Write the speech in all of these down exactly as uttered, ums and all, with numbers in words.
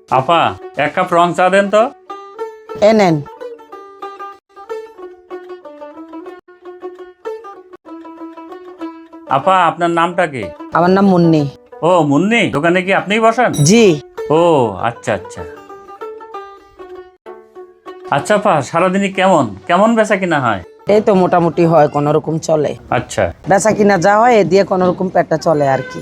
আপা এক কাপ রং চা দেন তো। এ নেন। আপা আপনার নামটা কি? আমার নাম মুন্নি। ও মুন্নি, দোকানে কি আপনিই বসেন? জি। ও আচ্ছা আচ্ছা আচ্ছা আপা, সারাদিনই কেমন কেমন বেচা কিনা হয়? এই তো মোটামুটি হয়, কোন রকম চলে। আচ্ছা বেচা কিনা যা হয় এ দিয়ে কোন রকম পেটটা চলে আর কি।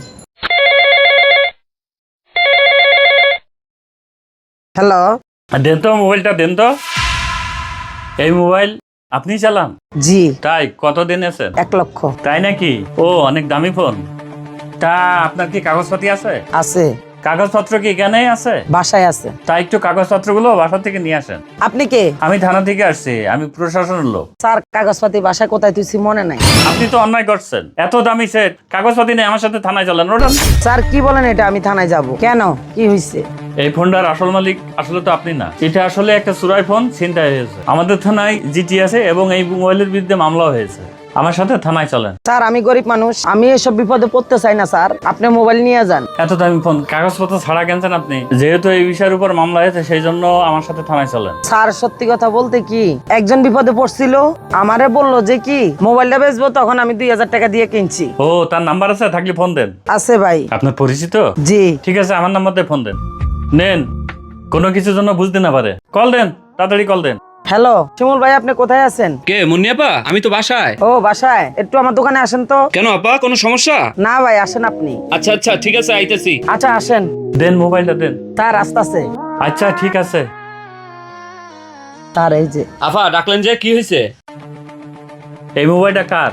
হ্যালো, দেন তো মোবাইলটা দেন তো। এই মোবাইল আপনি চালান? জি। তাই কতদিন আছেন? এক লক্ষ। তাই নাকি? ও অনেক দামি ফোন। তা আপনার কি কাগজপাতি আছে? আছে। কাগজপত্র কি এখানেই আছে? বাসায় আছে। তাই একটু কাগজপত্রগুলো বাসা থেকে নিয়ে আসেন। আপনি কে? আমি থানা থেকে আসছি, আমি প্রশাসনের লোক। স্যার কাগজপাতি বাসায় কোথায় তুইছি মনে নাই। আপনি তো অন্যায় করছেন, এত দামি সেট কাগজপাতি নেই, আমার সাথে থানায় চলেন। ওঠান। স্যার কি বলেন এটা? আমি থানায় যাব কেন? কি হয়েছে? এই ফোনটার আসল মালিক আসলে তো আপনি না, এটা আসলে একটা চুরাই ফোন, ছিনতাই হয়েছে। আমাদের থানায় জিটি আছে এবং এই মোবাইলের বিরুদ্ধে মামলা হয়েছে। আমার সাথে থানায় চলেন। স্যার আমি গরিব মানুষ, আমি এসব বিপদে পড়তে চাই না স্যার, আপনি মোবাইল নিয়ে যান। এত দামি ফোন কাগজপত্র ছাড়া কিনছেন আপনি? যেহেতু এই বিষয়ের উপর মামলা হয়েছে সেই জন্য আমার সাথে থানায় চলেন। স্যার সত্যি কথা বলতে কি, একজন বিপদে পড়ছিল, আমারে বললো যে কি মোবাইলটা বেচবো, তখন আমি দুই হাজার টাকা দিয়ে কিনছি। ও তার নাম্বার আছে? থাকলে ফোন দেন। আছে ভাই। আপনার পরিচিত? জি। ঠিক আছে, আমার নাম্বার দিয়ে ফোন দেন। নেন, কোনো কিছুর জন্য বুঝতে না পারে কল দেন, তাড়াতাড়ি কল দেন। হ্যালো শিমুল ভাই, আপনি কোথায় আছেন? কে মুন্নি আপা? আমি তো বাসায়। ও বাসায়, একটু আমার দোকানে আসেন তো। কেন আপা, কোনো সমস্যা? না ভাই, আসেন আপনি। আচ্ছা আচ্ছা ঠিক আছে, আইতেছি। আচ্ছা আসেন। দেন মোবাইলটা দেন। তার রাস্তা আছে। আচ্ছা ঠিক আছে। তার এই যে। আপা ডাকলেন যে, কি হয়েছে? এই মোবাইলটা কার?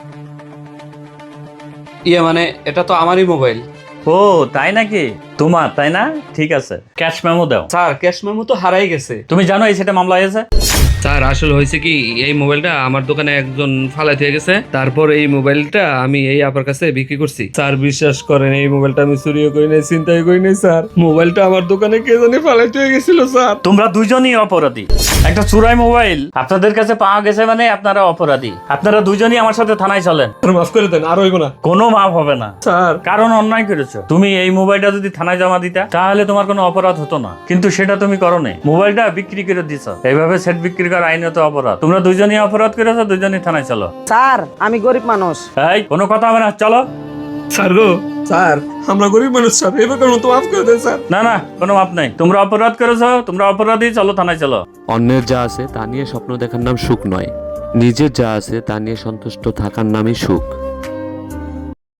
ইয়ে মানে এটা তো আমারই মোবাইল। ও তাই নাকি? তোমার তাই না? ঠিক আছে, ক্যাশ মেমো দাও। স্যার ক্যাশ মেমো তো হারাই গেছে। তুমি জানো এই সেটা মামলা হয়েছে? স্যার আসলে হয়েছে কি, এই মোবাইলটা আমার দোকানে একজন ফালাই দিয়ে গেছে, তারপর এই মোবাইলটা আমি এই আপার কাছে বিক্রি করছি। স্যার বিশ্বাস করেন, এই মোবাইলটা আমি চুরিও করি নাই, চিন্তাই করি নাই স্যার। মোবাইলটা আমার দোকানে কে জানি ফালাই দিয়ে গেছিল স্যার। তোমরা দুইজনই অপরাধী। একটা চুরাই মোবাইল আপনাদের কাছে পাওয়া গেছে মানে আপনারা অপরাধী। আপনারা দুইজনই আমার সাথে থানায় চলেন। মাফ করে দেন, আর হইব না কোনো মাপ হবে না স্যার। কারণ অন্যায় করেছো তুমি। এই মোবাইলটা যদি থানায় জমা দিতা তাহলে তোমার কোনো অপরাধ হতো না, কিন্তু সেটা তুমি করো নাই। মোবাইলটা বিক্রি করে দিছো। এইভাবে সেট বিক্রি করা আইনত অপরাধ। তোমরা দুইজনই অপরাধ করেছো, দুইজনই থানায় চলো। স্যার আমি গরিব মানুষ। এই কোনো কথা হবে না, চলো। স্যার গো, স্যার আমরা গরিব মানুষ স্যার, এবার কেন তো মাফ করে দেন স্যার। না না, কোনো মাপ নাই। তোমরা অপরাধ করেছো, তোমরা অপরাধী, চলো থানায় চলো। অন্যের যা আছে তা নিয়ে স্বপ্ন দেখার নাম সুখ নয়, নিজের যা আছে তা নিয়ে সন্তুষ্ট থাকার নামই সুখ।